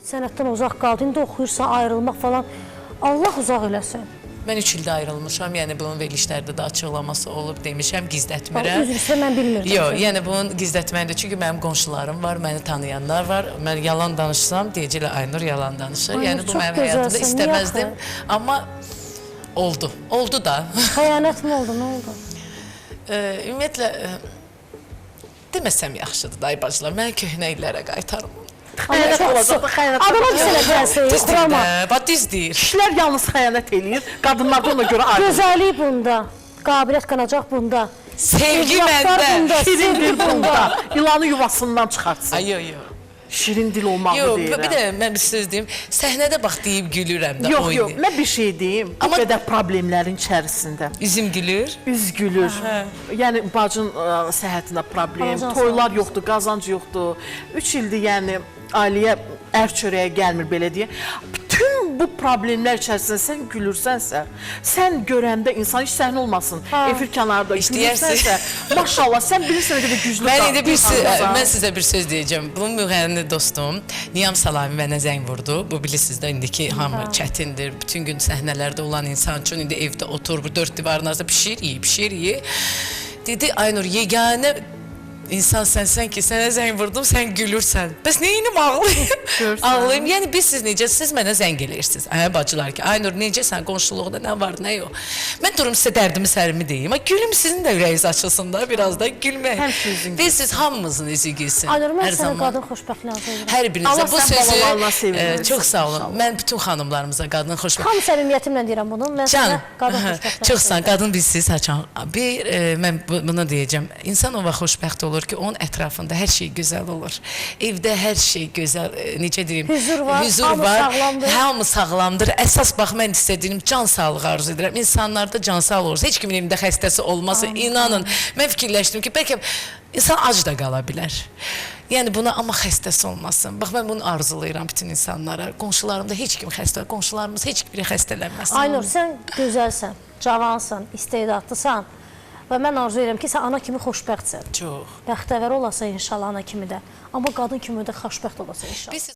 sənətdən uzaq qaldı. İndi oxuyursan, ayrılmaq falan. Allah uzaq eləsin. Mən 3 ildə ayrılmışam, yəni bunun verilişlərdə də açıqlaması olub demişəm, gizlətmirəm. Üzr istəyirəm, mən bilmirdim. Yox, yəni bunun gizlətməkdir. Çünki mənim qonşularım var, məni tanıyanlar var. Mən yalan danışsam, deyəcəklər Aynur yalan danışır. Yəni bu mənim həyatımda istəməzdim. Amma oldu. Oldu da. Xəyanət mi oldu, nə oldu? Ümumiyyətlə, deməsəm yaxşıdır, dayı bacılar. Mən köhnə illərə qaytarım. Xəyanət olacaq, xəyanət. Adama bir sənə gəlsin, qurama. Düz deyir. Kişilər yalnız xəyanət eləyir, qadınlar da ona görə ayrılır. Gözəllik bunda, qabiliyyət qanacaq bunda. Sevgi məndə. Şirin dil bunda, yılanı yuvasından çıxartsın. Ay, yox, yox. Şirin dil olmağı deyirəm. Bir də mən bir söz deyim, səhnədə bax deyib gülürəm də Yox, oynayır. mən bir şey deyim, bu qədər problemlərin içərisində. Üzüm gülür. Üz gülür. Yəni bacın səhhətində problem, toylar yoxdur, qazancı yoxdur. 3 ildir yəni ailəyə ər çörəyə gəlmir belə deyə. Bütün bu problemlər içərisində sən gülürsənsə, sən görəndə insan heç səhnə olmasın, efir kənarında gülürsənsə, maşallah, sən bilirsən nə qədər güclü Mən sizə bir söz deyəcəm. Bu müğənni dostum Niyam Salami mənə zəng vurdu. Bu bilirsiniz də indiki hamı çətindir. Bütün gün səhnələrdə olan insan üçün indi evdə oturur, bu dörd divarın arasında pişir yeyir. Dedi, Aynur, yeganə İnsan sənsən ki, sənə zəng vurdum, sən gülürsən. Bəs neyinim ağlayım? Ağlayım. Yəni, siz necə, siz mənə zəng eləyirsiniz. Bacılar ki, Aynur, necəsən, qonşuluqda nə var, nə yox. Mən durum sizə dərdimi, sərimi deyim. Gülüm sizin də ürəyiniz açılsın da, biraz da gülmək. Və siz hamımızın üzü gülsün. Aynur, mən sənə qadın xoşbəxtliyi arzulayıram. Hər birinizə bu sözü çox sağ olun. Mən bütün xanımlarımıza qadın xoşbəxtliyi. Xam səmimiyyətimlə deyirəm bunu. Mən sənə qadın xoşbəxtliyi. Çox sağ, qadın bilsiniz, haçan. Mən bunu deyəcəm. İnsan o vaxt xoşbəxt olur ki, onun ətrafında hər şey gözəl olur. Evdə hər şey gözəl, necə deyim, hüzur var, hamı sağlamdır. Əsas bax, mən istədiyim can sağlığı arzu edirəm. İnsanlarda can sağlığı olursa, heç kimin evində xəstəsi olmasın, inanın. Mən fikirləşdim ki, bəlkə insan ac da qala bilər. Yəni buna amma xəstəsi olmasın. Bax, mən bunu arzulayıram bütün insanlara. Qonşularımda heç kim xəstə, qonşularımız heç biri xəstələnməsin. Aynur, sən gözəlsən, cavansan, istedadlısan. Və mən arzu edirəm ki, sən ana kimi xoşbəxtsən. Çox. Bəxtəvər olasan inşallah ana kimi də. Amma qadın kimi də xoşbəxt olasan inşallah.